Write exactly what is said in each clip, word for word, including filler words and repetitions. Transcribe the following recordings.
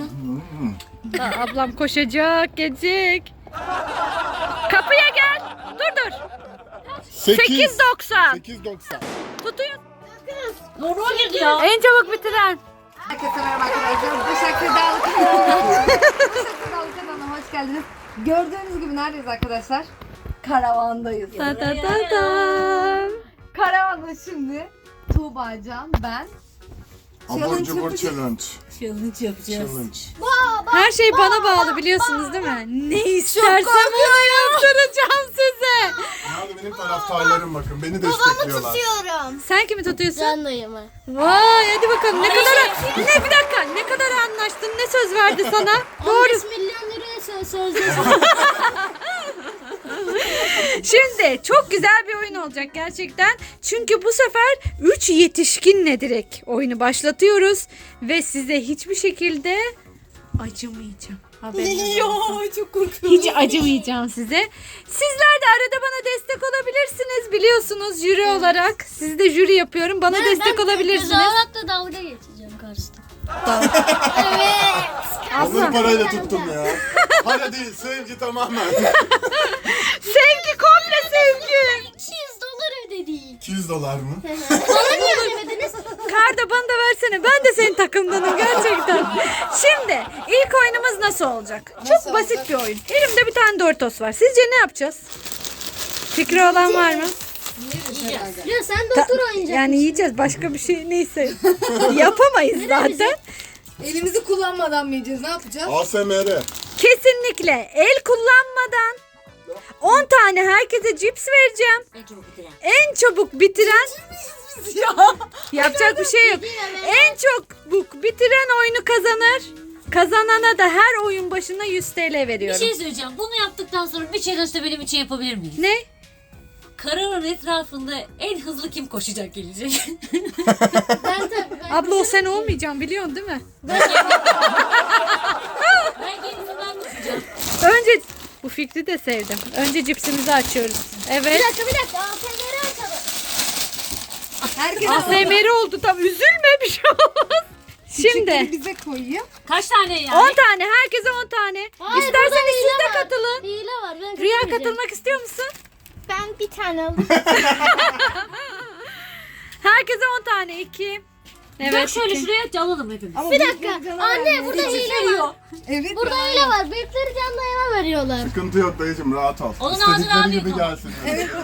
Aa, ablam koşacak, gelecek. Kapıya gel. Dur dur. sekiz doksan. sekiz doksan. Tutuyor. Doğru girdi ya. En çabuk bitiren. Herkese merhaba arkadaşlar. Başak Sedalı kanalına. Başak Sedalı kanalına hoş geldiniz. Gördüğünüz gibi neredeyiz arkadaşlar? Karavandayız. Ta ta ta ta. Karavanda şimdi Tuğbacan, ben. Abur cubur challenge. Challenge yapacağız. Challenge. Her şey bana bağlı biliyorsunuz değil mi? Ne istersem onu yaptıracağım size. Nerede benim taraftarlarım bakın. Beni destekliyorlar. Tutuyorum. Sen kimi tutuyorsun? Can dayımı. Vay hadi bakalım ne kadar ne bir dakika ne kadar anlaştın ne söz verdi sana? on Doğru. beş milyon liraya söz sözleştim. Şimdi çok güzel bir oyun olacak gerçekten. Çünkü bu sefer üç yetişkinle direkt oyunu başlatıyoruz ve size hiçbir şekilde acımayacağım. Haberiniz olsun. çok korkuyorum. Hiç acımayacağım size. Sizler de arada bana destek olabilirsiniz biliyorsunuz jüri olarak. Sizi de jüri yapıyorum. Bana destek olabilirsiniz. Tezahüratla dalga geçeceğim karşıda. Onları parayla tuttum ya. Para değil, sevgi tamamen. Sevgi komple sevgi. iki yüz dolar ödedik. iki yüz dolar mı? Bana niye ödemediniz? Karda bana da versene. Ben de senin takımdanım gerçekten. Şimdi ilk oyunumuz nasıl olacak? Çok basit bir oyun. Elimde bir tane Doritos var. Sizce ne yapacağız? Fikri olan var mı? Ya sen doktor oynayacaksın. Yani yiyeceğiz. Başka bir şey neyse. Yapamayız zaten. Elimizi kullanmadan mı yiyeceğiz? Ne yapacağız? A S M R. Kesinlikle el kullanmadan on tane herkese cips vereceğim. En çabuk bitiren. En çabuk bitiren yapacak bir şey yok. En çabuk bitiren oyunu kazanır. Kazanana da her oyun başına yüz TL Bir veriyorum. şey söyleyeceğim. Bunu yaptıktan sonra bir challenge de benim için yapabilir miyiz? Ne? Karanın etrafında en hızlı kim koşacak gelecek? Ben tabii. Ben Abla o sen olmayacaksın biliyorsun değil mi? ben kendimden koşacağım. Önce bu fikri de sevdim. Önce cipsimizi açıyoruz. Bir Evet. dakika bir dakika. A T M'leri açalım. Herkes A S M R oldu tam üzülme bir şey olmaz. Şimdi bize koyayım. Kaç tane yani? on tane herkese on tane. Hayır, İsterseniz burada siz hile de var. katılın. Hile var. Ben Rüya katılmayacağım. katılmak istiyor musun? Ben bir tane alayım. Herkese on tane. iki. Evet, Evet. şöyle iki. şuraya alalım hepimiz. Bir dakika. Anne burada hile var. Evet. Burada hile var. Büyükleri can dayıma veriyorlar. Sıkıntı yok dayıcım, rahat ol. Onun ağzını İstedikleri abi gibi yapalım. gelsin.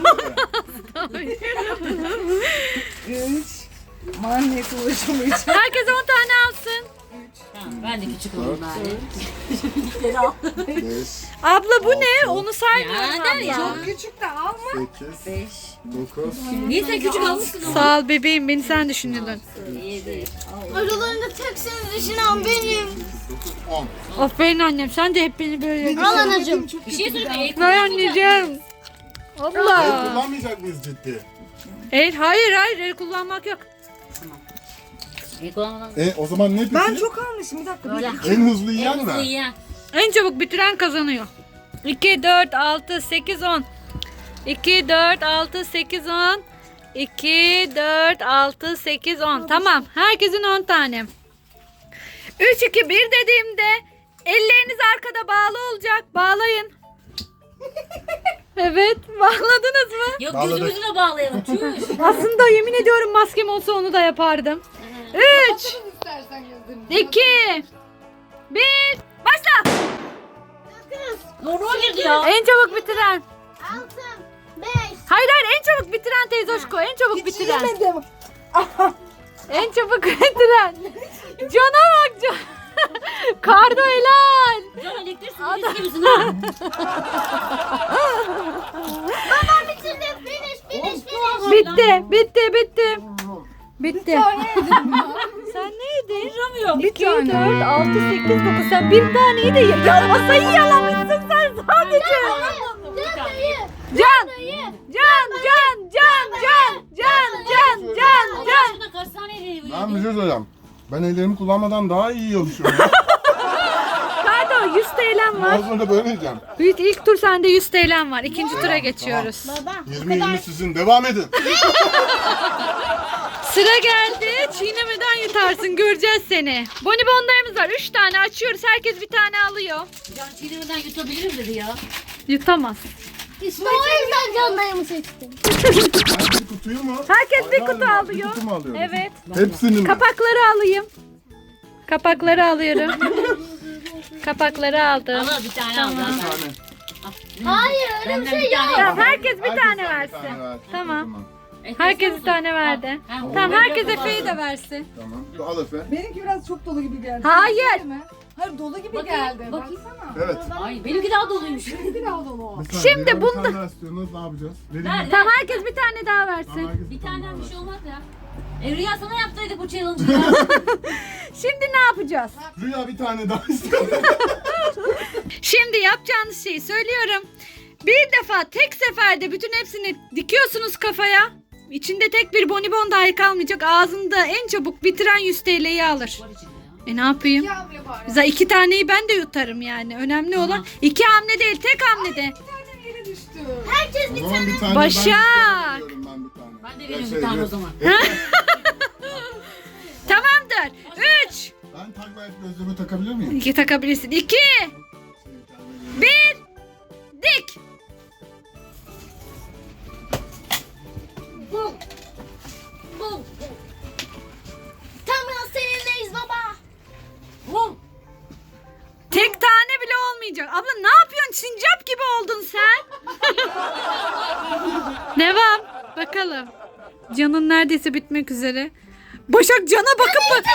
Üç. Manyetle ulaşamayacağım. Herkes on tane alsın. Tamam, ben de küçük olayım bari. beş, Abla bu ne? Onu Ya, saymıyorum. der ya. Çok küçük de alma. sekiz, dokuz, Niye sen küçük almışsın onu? Sağ ol bebeğim beni sen düşündün. Yedi. Aralarında tek seni düşünen benim. on. Aferin annem sen de hep beni böyle. Al anacığım. Bir şey söyleyeyim. Vay anneciğim. El Allah. kullanmayacak mıyız ciddi? El hayır hayır el kullanmak yok. İlk olmadan. E o zaman ne peki? Ben çok almışım. Bir dakika. Böyle. En hızlı yiyen En hızlı mi? yiyen. En çabuk bitiren kazanıyor. iki, dört, altı, sekiz, on. iki, dört, altı, sekiz, on. iki, dört, altı, sekiz, on. Tamam. Herkesin on tane. üç, iki, bir dediğimde elleriniz arkada bağlı olacak. Bağlayın. Evet. Bağladınız mı? Yok Bağladık. gözümüzü de bağlayalım. Tüş. Aslında yemin ediyorum maskem olsa onu da yapardım. üç, İstersen gözlerini. iki, bir. Başla. Doğru girdi ya. En çabuk bitiren. Altı. Beş. Hayır hayır en çabuk bitiren teyze hoşko. En çabuk bitiren. Yemedim. En çabuk bitiren. Cana bak can. Kardo helal. Can elektrik sinirlisi gibisin ha. Baba bitirdim. Finish finish finish. Bitti bitti bitti. Bitti. Sen ne yedin? Duramıyorum. iki, dört, altı, sekiz, dokuz. Sen bir taneyi de ye. Ya masayı yalamışsın sen sadece. Can dayı. Can. Dayı. Can, can, can, can, can, can, can, Allah can. aşkına kaç tane yedi? Ben bir şey söyleyeceğim. Ben ellerimi kullanmadan daha iyi yiyormuşum ya. Kardo yüz T L'm var. Az sonra böyle yiyeceğim. İlk, ilk tur sende yüz T L'm var. İkinci tura geçiyoruz. Baba. yirmi yirmi sizin. Devam edin. Sıra geldi. Çiğnemeden yut. yutarsın, göreceğiz seni. Bonibonlarımız var. Üç tane açıyoruz. Herkes bir tane alıyor. Can çiğnemeden yutabilirim dedi ya. Yutamaz. İşte o yüzden can dayımı seçtim. Bir kutuyu mu? Herkes bir Aynı kutu anda Bir alıyor. kutu mu alıyoruz? Evet. Hepsini mi? Kapakları alayım. Kapakları alıyorum. Kapakları aldım. Al bir tane al. Tamam. Bir zaten. tane. Hayır öyle bir Benden şey bir tane yok. Tamam, herkes bir Herkes tane bir versin. tane ver. Tamam. O zaman. E, Herkes kesiyor bir musun? tane verdi. Al. Ha, Tamam, ben herkes yapamam. Efe'yi de versin. Tamam. Al Efe. Benimki biraz çok dolu gibi geldi. Hayır. Değil mi? Hayır dolu gibi Bakayım, geldi. bakayım. Baksana. Evet. Ay benimki daha doluymuş. Bir daha dolu. Bir saniye, Şimdi birer bir bunda- tane daha istiyorsunuz, ne yapacağız? Verin Ver, mi? Tamam, herkes bir tane daha Tamam, versin. herkes Bir tane tane bir daha şey olmaz ya. E, Rüya sana yaptıydık bu challenge'ı ya. Şimdi ne yapacağız? versin. Rüya bir tane daha istiyor. Şimdi yapacağınız şeyi söylüyorum. Bir defa tek seferde bütün hepsini dikiyorsunuz kafaya. İçinde tek bir bonibon dahi kalmayacak. Ağzında en çabuk bitiren yüz T L'yi alır. Var içinde ya. E ne yapayım? İki hamle bari. Zaten iki taneyi ben de yutarım yani. Önemli olan Tamam. iki hamle değil, tek hamlede. Bir tane yere düştü. Herkes O bir zaman bir tane Başak. ben istiyorum, ben bir tane. Ben de Ya veriyorum şey, bir tane o evet. zaman. Tamamdır. Üç. Ben takla et gözlüğümü takabilir miyim? İki takabilirsin. İki. Bir. Dik. Bum. Bum. Tamam seninleyiz baba. Bum. Tek tane bile olmayacak. Abla ne yapıyorsun? Sincap gibi oldun sen. Devam. Bakalım. Canın neredeyse bitmek üzere. Başak cana bakıp bak.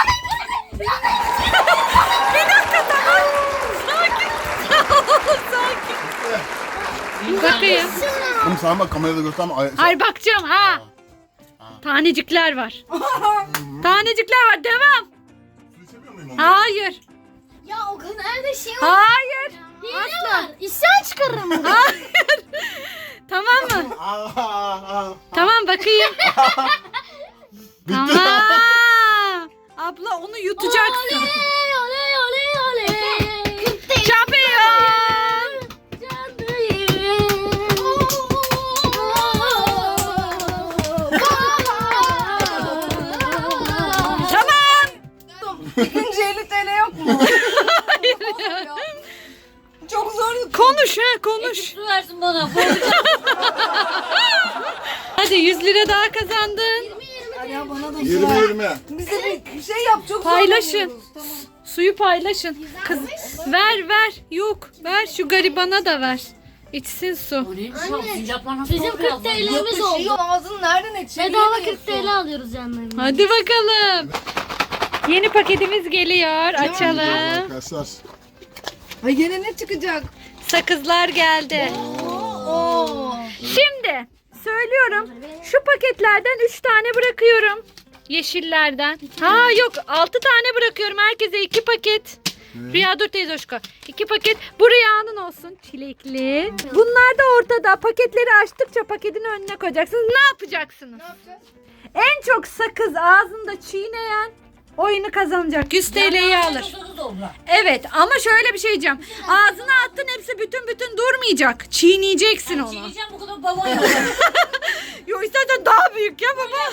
Bir dakika tamam. Sakin. Sakin. Bakayım. Oğlum sen bak kamerada gösterme. Ay, Hayır bakacağım ha. Tanecikler var. Tanecikler var. Devam. Su içemiyor muyum onu? Hayır. Ya o kadar da şey oldu. Hayır. Hile Asla. var. İsyan çıkarırım. Hayır. Tamam mı? Aa, aa, aa. Tamam bakayım. Bitti. Tamam. Abla onu yutacaksın. Oley oley oley oley. Şampiyon. Can dayım. Tamam. İkinci elli TL yok mu? Hayır ya. Çok zor. Konuş ha konuş. Su versin bana. Hadi yüz lira daha kazandın. Ya bana da yirmi yirmi. Bize bir şey yap. Çok Paylaşın. zorlanıyoruz. Tamam. Suyu paylaşın. Kız ver ver. Yok ver şu garibana da ver. İçsin su. O neymiş lan? Anne, Sincaplar nasıl Bizim korkuyor kırk abla? TL'miz Yok, oldu. ağzını nereden içiyor? Bedava kırk TL alıyoruz canlarım. Hadi bakalım. Yeni paketimiz geliyor. Açalım. Arkadaşlar. Ay gene ne çıkacak? Sakızlar geldi. Oo. Şimdi söylüyorum. Şu paketlerden üç tane bırakıyorum. Yeşillerden. Ha yok altı tane bırakıyorum. Herkese iki paket. Rüya dur teyze hoşka. iki paket. Bu Rüya'nın olsun. Çilekli. Bunlar da ortada. Paketleri açtıkça paketin önüne koyacaksınız. Ne yapacaksınız? Ne yapacağız? En çok sakız ağzında çiğneyen oyunu kazanacak. yüz T L'yi alır. Sakız oldu. Evet ama şöyle bir şey diyeceğim. Ağzına attın hepsi bütün bütün durmayacak. Çiğneyeceksin onu. Çiğneyeceğim bu kadar babam yok. Yok istersen daha büyük ya baba.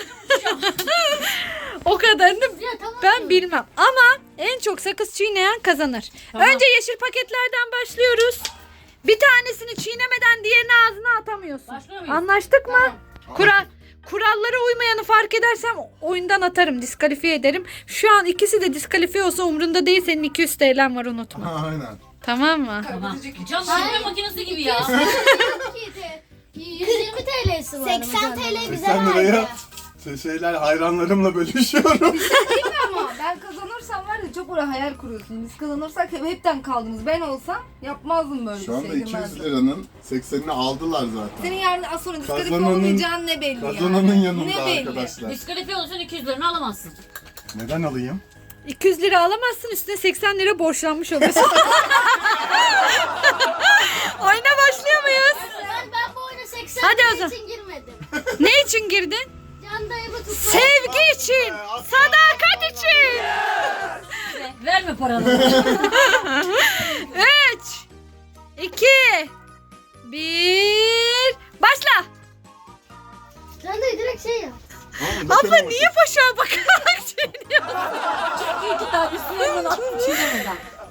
O kadarını Ya tamam. ben bilmem. Ama en çok sakız çiğneyen kazanır. Tamam. Önce yeşil paketlerden başlıyoruz. Bir tanesini çiğnemeden diğerini ağzına atamıyorsun. Başlıyor muyuz? Anlaştık mı? Kural. Kurallara uymayanı fark edersem oyundan atarım, diskalifiye ederim. Şu an ikisi de diskalifiye olsa umrunda değil, senin iki yüz T L'm var unutma. Aynen. Tamam mı? Tamam. Can çiğneme makinesi gibi ya. yüz yirmi TL'si var. seksen TL bize seksen liraya verdi. şey- şeyler hayranlarımla bölüşüyorum. Ama ben kazanırsam var ya çok oraya hayal kuruyorsun. Biz kazanırsak hep hepten kaldınız. Ben olsam yapmazdım böyle Şu bir anda şey. iki yüz girmezdim. liranın seksenini aldılar zaten. Senin yarın az sonra diskalifiye Kazananın- olmayacağın ne belli Kazananın yani. yanında Ne belli? arkadaşlar. Diskalifiye olursan iki yüz liranı alamazsın. Neden alayım? iki yüz lira alamazsın, üstüne seksen lira borçlanmış oluyorsun. Oyuna başlıyor muyuz? Ben, ben bu oyuna seksen Hadi o TL zaman. için girmedim. Ne için girdin? Can dayımı tutmak. Sevgi için, sadakat için. Verme paranı. Üç, iki, bir, başla. Can dayı direkt şey yap. Aa, Abla bakın niye boşa bakarak çiğniyor?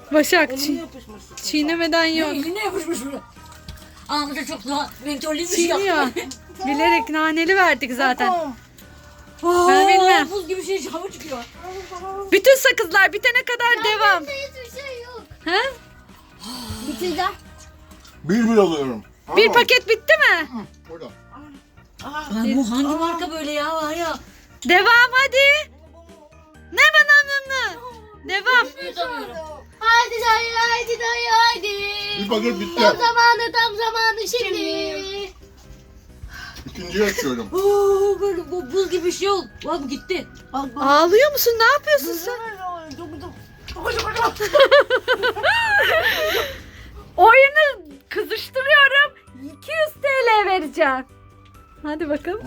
Başak çi- çiğnemeden yok. Eline yapışmış bu. Ahmet'e çok daha mentollüymüş Çiğniyor. Bilerek naneli verdik zaten. Ben Ben bilmem. Buz gibi şey hava çıkıyor. Bütün sakızlar bitene kadar devam. Hiçbir şey yok. Ha? Bitireceğim. Bir bir alıyorum. Bir Tamam. paket bitti mi? Burada. Ay, bu hangi marka böyle ya var ya. Devam hadi. Ne bana ne ne? Devam. Yutamıyorum. Haydi dayı haydi dayı haydi. Bir paket bitti. Tam zamanı tam zamanı şimdi. İkinciyi açıyorum. Oo, böyle bu buz gibi bir şey oldu. Bak bu gitti. Ağlıyor musun? Ne yapıyorsun sen? Oyunu kızıştırıyorum. iki yüz T L vereceğim. Hadi bakalım.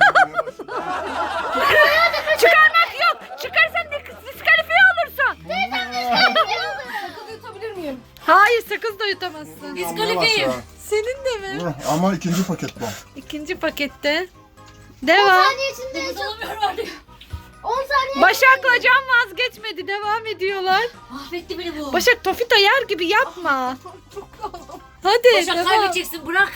Çıkarmak yok. Çıkarsan dis- diskalifiye olursun. Sakız yutabilir miyim? Hayır, sakız da yutamazsın. Diskalifiyim. Senin de mi? Ama ikinci paket bu. İkinci pakette. on Devam. saniye içinde Nefes alamıyorum artık. on saniye. Başak'la Can vazgeçmedi. Devam ediyorlar. Mahvetti beni bu. Başak tofita yer gibi yapma. Hadi Başak devam. kaybedeceksin bırak.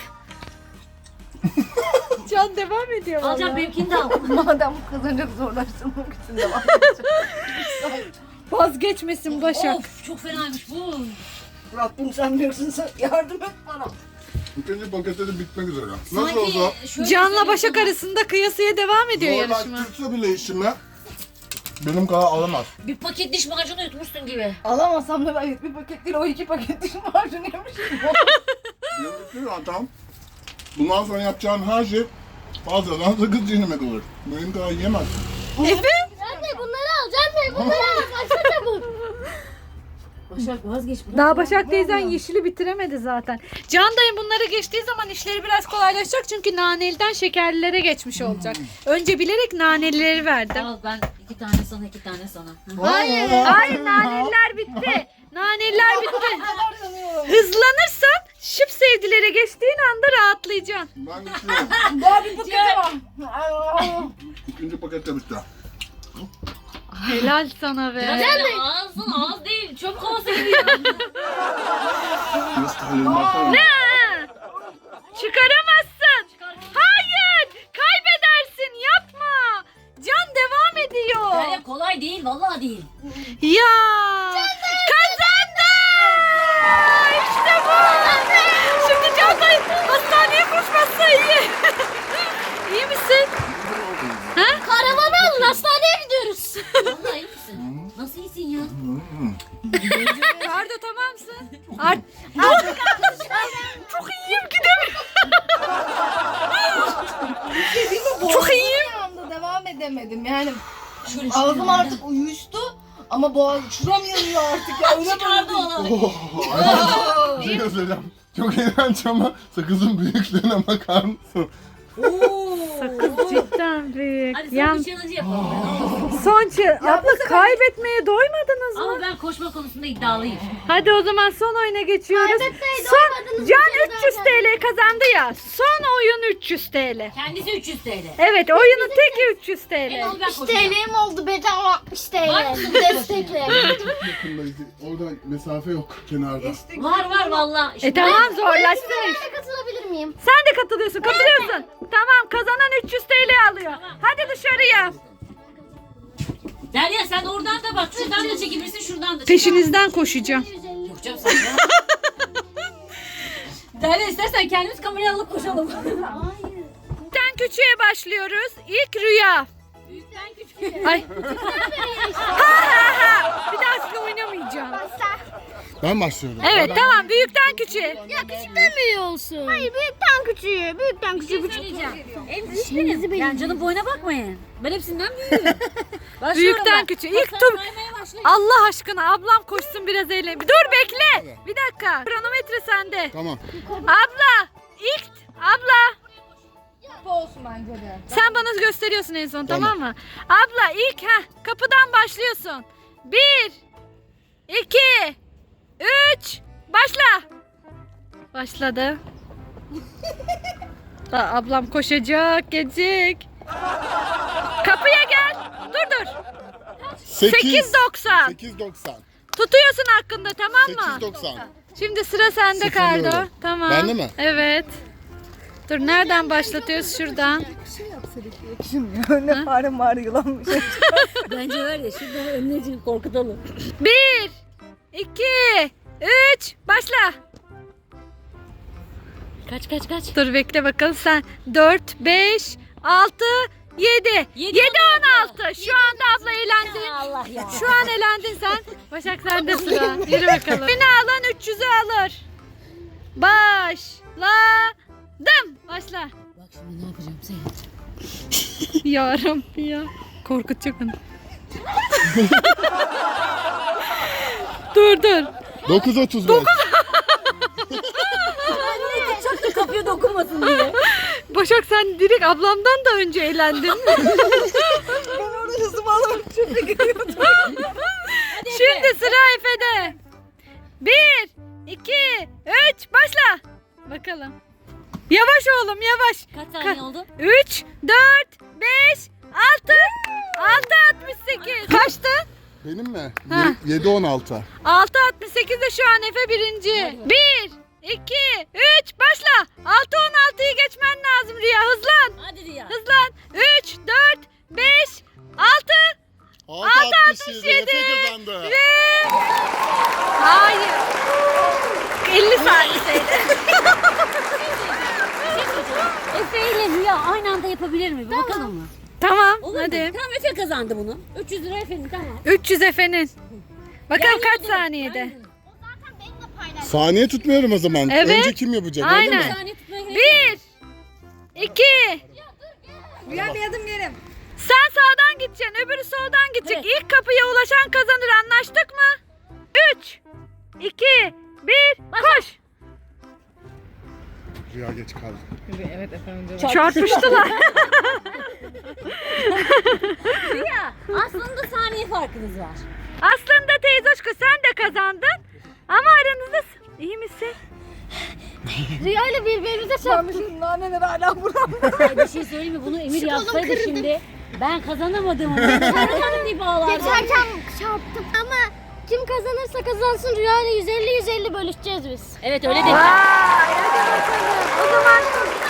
Can devam ediyor Alacağım vallahi. benimkini de al. Madem bu kazanacak zorlaştırmak için devam edeceğim. Vazgeçmesin Başak. Of çok fenaymış bu. Rabbim sen büyüksün, sen yardım et bana. İkinci pakette de bitmek üzere. Nasıl Sanki olsa şöyle Can'la söyleyeyim Başak sana. arasında kıyasıya devam ediyor yarışma. zorlaştırsa bile işime benim kadar alamaz. Bir paket diş macunu yutmuşsun gibi. Alamasam da ben bir paket değil o iki paket diş macunu yemişim. Benim bitiyor adam. Bundan sonra yapacağın her şey fazladan sakız çiğnemek olur. Benim kadar yiyemezsin. Efe? Can Bey bunları al Can Bey bunları al. Kaçta çabuk. Başak vazgeç. bırak Daha ya. Başak teyzen yeşili bitiremedi zaten. Can dayı bunları geçtiği zaman işleri biraz kolaylaşacak çünkü naneliden şekerlilere geçmiş olacak. Önce bilerek nanelileri verdim. Al ben iki tane sana iki tane sana. Hı. Hayır. Hayır, naneliler bitti. Naneliler bitti. Hızlanırsan şıp sevdilere geçtiğin anda rahatlayacaksın. Ben geçiyorum. Daha bir paket var. İkinci paket de bitti. Helal sana be. Biraz ağzın ağız değil çöp kovası gibi ya. Nasıl tahlil bakalım. Ha! Çıkaramazsın. Hayır. Kaybedersin. Yapma. Can devam ediyor. Derya kolay değil vallahi değil. Ya. Kazandı. İşte bu. Şimdi Can dayı hastaneye koşmazsa iyi. İyi misin? Karavanı alın hastaneye gidiyoruz. Vallahi iyi misin? Nasıl iyisin ya? Kardo tamamsın. Art Art Çok iyiyim gidemiyorum. Çok iyiyim. Bir anda devam edemedim yani. Şöyle Ağzım artık uyuştu ama boğaz şuram yanıyor artık ya. Öyle çıkardı böyle. onu. Bir şey göstereceğim. Çok iğrenç ama sakızın büyüklüğüne bakar mısın? Oo. Sakız cidden büyük. Hadi son Yan, bir challenge yapalım. son çı- Abla kaybetmeye doymadınız mı? Ama ben koşma konusunda iddialıyım. Hadi o zaman son oyuna geçiyoruz. Kaybetmeye Son doymadınız, Can bir kere üç yüz daha T L kazandı ya. Son oyun üç yüz T L. Kendisi üç yüz T L. Evet, oyunun teki üç yüz T En L. ol ben altmış koşacağım. T L'm oldu bedava altmış Var T L. mısın? Destekle. Yakındayız. Orada mesafe yok kenarda. Var var valla. İşte E tamam, zorlaştı. Ben de katılabilir miyim? Sen de katılıyorsun, katılıyorsun. Tamam, kazanan üç yüz T L alıyor. Hadi dışarıya. Derya sen oradan da bak. Şuradan da çekebilirsin şuradan da. Peşinizden koşacağım. Yok canım sen ya. Derya istersen kendimiz kamerayı alıp koşalım. Büyükten küçüğe başlıyoruz. İlk Rüya. Büyükten küçük. Ay. ha ha ha. Bir daha sizinle oynamayacağım. Ben başlıyorum. Evet, tamam. Büyükten küçüğe. Ya küçükten büyüğü olsun. Hayır büyükten küçüğü. Büyükten küçüğü. Söyleyeceğim. En küçük benim. Yani canım boyuna bakmayın. Ben hepsinden büyüğüm. Başlıyorum Büyükten ben. küçüğe. Bak, İlk sen tur. saymaya başlayın. Allah aşkına ablam koşsun biraz eğlen. Dur bekle. Bir dakika. Kronometre sende. Tamam. Abla. İlk. Abla. olsun bence de. Sen bana gösteriyorsun en son, tamam, Tamam. mı? Abla ilk ha kapıdan başlıyorsun. Bir. iki. Üç. Başla. Başladı. Aa, ablam koşacak, gelecek. Kapıya gel. Dur dur. sekiz doksan. sekiz doksan. Tutuyorsun hakkında, tamam mı? sekiz doksan. Şimdi sıra sende Sıfırlıyorum. Kardo. Tamam. Bende mi? Evet. Dur, nereden başlatıyoruz? Şuradan. Ne fare mağara yılanmış. Bence var ya şimdi önüne korkutalım. Bir, iki, üç, başla. Kaç kaç kaç. Dur bekle bakalım sen. Dört, beş, altı, yedi. Yedi, Yedi, on altı. Şu anda abla eğlendin. Allah ya. Şu an elendin sen. Başak sende sıra. Yürü bakalım. Beni alan üç yüzü alır. Başladım. Başla. Bak şimdi ne yapacağım seyret. Yarım ya. Korkutacak onu. dur dur. dokuz otuz beş. Çok da kapıya dokunmasın diye. Başak sen direkt ablamdan da önce eğlendin. Ben orada hızımı alıp çöpe giriyordum. Şimdi sıra Efe'de. Bir, iki, üç, başla. Bakalım. Yavaş oğlum yavaş. Kaç saniye oldu? üç, dört, beş, altı, altı altmış sekiz. Kaçtı? Benim mi? Ha. yedi on altı. altı altmış sekiz de şu an Efe birinci. bir, iki, üç, başla. altı on altıyı geçmen lazım Rüya. Hızlan. Hadi Rüya. Hızlan. üç, dört, beş, altı altı altmış yedi. Efe kazandı. ve... Hayır. elli saniyeydi. Efe ile Rüya aynı anda yapabilir mi? Bir bakalım mı? Tamam Olur mu? hadi. Tamam Efe kazandı bunu. üç yüz lira Efe'nin tamam. üç yüz Efe'nin. Bakalım Yani kaç hadi, saniyede? aynen. Saniye tutmuyorum o zaman. Evet. Önce kim yapacak öyle Aynen. mi? Bir saniye tutmaya gerek yok. Bir, iki, Rüya bir adım gelim. sen sağdan gideceksin, öbürü soldan gidecek. Evet. İlk kapıya ulaşan kazanır, anlaştık mı? üç, iki, bir, koş. Rüya geç kaldı. Çarpıştılar. Rüya aslında saniye farkınız var. Aslında teyzoşku sen de kazandın. Ama aranızda s- iyi misin? Rüya ile birbirimize çarptık. Sarmışım naneler hala buramda. Ay bir şey söyleyeyim mi? Bunu Emir yapsaydı şimdi ben kazanamadım. Ben kazanamadım diye bağlardım. Geçerken çarptım ama kim kazanırsa kazansın Rüya ile yüz elli yüz elli bölüşeceğiz biz. Evet öyle dedi. Vay, hadi bakalım. O zaman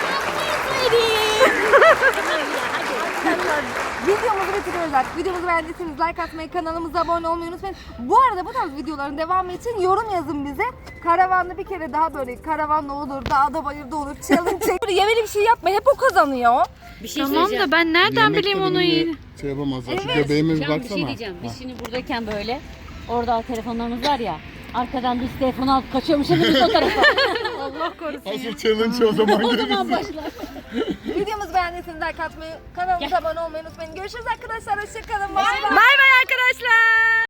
Videomuzu bitiriyoruz artık. Videomuzu beğendiyseniz like atmayı, kanalımıza abone olmayı unutmayın. Bu arada bu tarz videoların devamı için yorum yazın bize. Karavanda bir kere daha böyle karavanla olur, dağda bayırda olur, challenge çek. Böyle yemeli bir şey yapma, hep o kazanıyor. Bir şey tamam söyleyeceğim. da ben nereden Yemek bileyim de onu benimle iyi. Şey yapamazlar. Şu göbeğime bir Can bir baksana. şey diyeceğim. Ha. Biz şimdi buradayken böyle orada telefonlarımız var ya. Arkadan biz telefonu alıp kaçıyormuş ama biz o tarafa. Allah korusun. Asıl challenge o zaman O zaman gelirsin. başlar. Videomuzu beğendiyseniz like atmayı, kanalımıza abone olmayı unutmayın. Görüşürüz arkadaşlar, hoşçakalın. Bay bay. Bay bay arkadaşlar.